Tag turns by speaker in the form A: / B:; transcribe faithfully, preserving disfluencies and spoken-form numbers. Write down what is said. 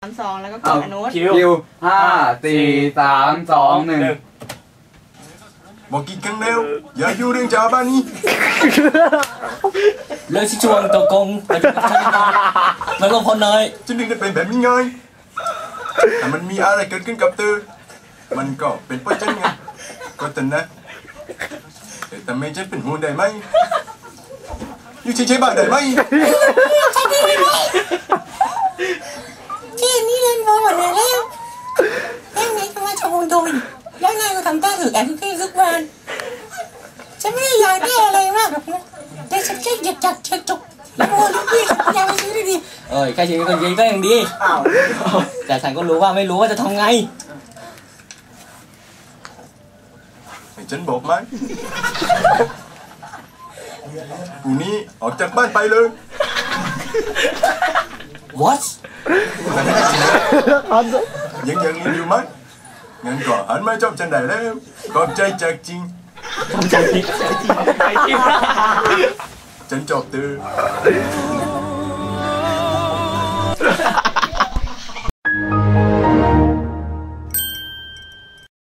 A: สามสองแล้วก็กดอนุ
B: ค
A: ชิ
B: วห้าสี่สามสองหนึ่ง
C: บอกกี่ครั้งแล้วอย่าอยู่เรื่องจ้าบ้านนี้
D: เรื่องชิชวงตัวกงมันก็พอน้อย
C: ฉันนึกได้เป็นแบบนี้ไงแต่มันมีอะไรเกิดขึ้นกับเธอมันก็เป็นเพราะฉันไงก็แต่นะแต่ทำไมฉันเป็นห่วงได้ไหมอยู่เฉยๆบ้างได้ไหม
E: ที่นี่เล่นบอลหมดเลยแล้วแล้วนายก็มาชมโดนแล้วนายก็ทำท่าถือแอนที่ทุกวันฉันไม่ได้อยากได้อะไรมากหรอกนะแต่ฉันแค่อยากจัดเช็คจุกแล้วโอ้ลูกพี่อยากไปซื้อดี
D: เอ้ยแค่ชีวิตคนจริงก็ยังดีแต่ฉันก็รู้ว่าไม่รู้ว่าจะทำไง
C: ให้ฉันบอกไหมกูนี้ออกจากบ้านไปเลย
D: What
C: ยังยังเรียนอยู่ไหมงั้นก็หันมาชอบฉันได้แล้วขอบใจจากจริงฉันชอบเธอ